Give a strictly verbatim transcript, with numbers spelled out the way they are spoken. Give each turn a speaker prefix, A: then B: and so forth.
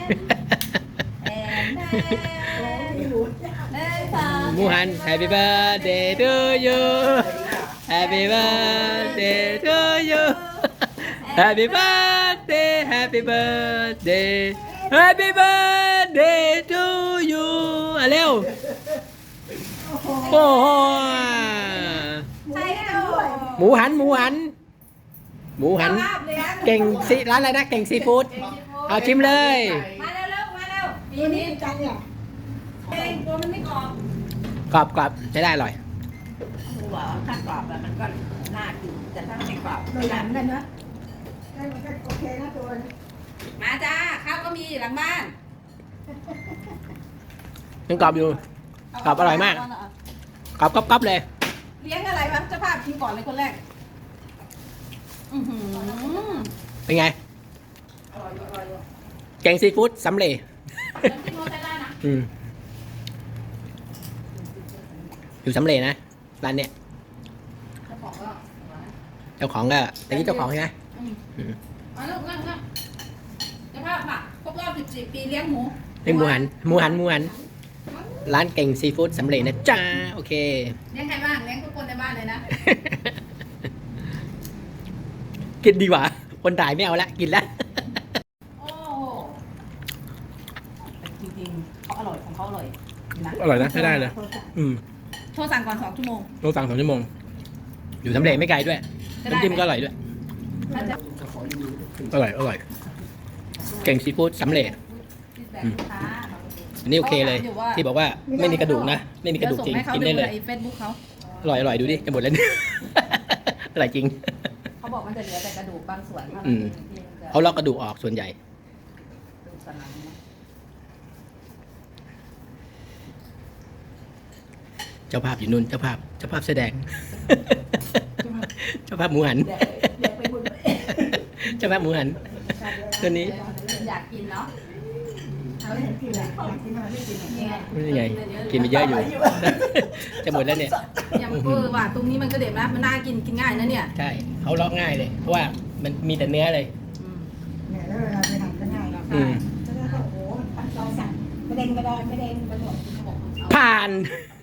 A: หมูหัน Happy birthday to you Happy birthday to you Happy birthday Happy birthday Happy birthday to you อ่ะเร็วโอ้โหหมูหันหมูหันหมูหันเก่งซีร้านอะไรนะเก่งซีฟู้ดเอาชิมเลย
B: มาเร็วๆมาเร็วปีนี้จังเนี่ยเองตัวมันไม่กรอบ
A: กรอบกรอบใช้ได้อร่อย
B: หัวถ้ากรอบแบบมันก็น่ากินแต่ถ้าไม่กรอบโดยหลังกันนะได้มันก็โอเคนะตัวมาจ้าข้าวก็มีหลังบ้าน
A: ยังกรอบอยู่กรอบอร่อยมากกรอบกรอบเลย
B: เลี้ยงอะไรวะเจ้าภาพกินก่อนเลยคนแรก
A: เป็นไงแกงซีฟู้ดสำเร็จอยู่สำเร็จนะร้านเนี้ยเจ้าของก็แต่นี่เจ้าของใช่ไหม
B: มาลูกนั่งนั่งเจ้าภาพค่ะครบรอบสิบสี่ปีเลี้ยงหมู
A: เลี้ยงหมูหันหมูหันหมูหันร้านเก่งซีฟู้ดสำเร็จนะจ้าโอเค
B: เลี้ยงใครบ้างเลี้ยงทุกคนในบ้านเลยนะ
A: กินดีกว่าคนถ่ายไม่เอาละกินละ
B: โอ้จริงๆเขาอร่อยของเขาอร่อย
A: นะอร่อยนะใช้ได้เลยอืม
B: โทรสั่งก่อนสองชั่วโมง
A: โทรสั่งสองชั่วโมงอยู่สำเร็จไม่ไกลด้วยน้ำจิ้มก็อร่อยด้วยอร่อยอร่อยเก่งซีฟู้ดสำเร็จอันนี้โอเคเลยที่บอกว่าไม่มีกระดูกนะไม่มีกระดูกจริงกินได้เลยอร่อยอร่อยดูดิจะหมดแล้วอร่อยจริง
B: เขาบอกมันจะเหลือแต่กระดูกบางส่วน
A: เขาลอกกระดูกออกส่วนใหญ่เจ้าภาพอยู่นู่นเจ้าภาพเจ้าภาพแสดงเจ้าภาพหมูหันเจ้าภาพหมูหันตัวนี้
B: อยากกินเนาะ
A: นี่ไงกินไปเยอะอยู่จะหมดแล้วเนี่ย
B: อย่างเออว่าตรงนี้มันก็เด็ดนะมันน่ากินกินง่ายนะเนี่ย
A: ใช่เขาลอกง่ายเลยเพราะว่ามันมีแต่เนื้อเลย
B: เนี่ยแล้วเวลาไปทำก็ง่ายเนาะแล้วก็โอ้โหเราสั่งไม่เด้งไม่ได้ไม่เด้งไม่หมด
A: ผ่าน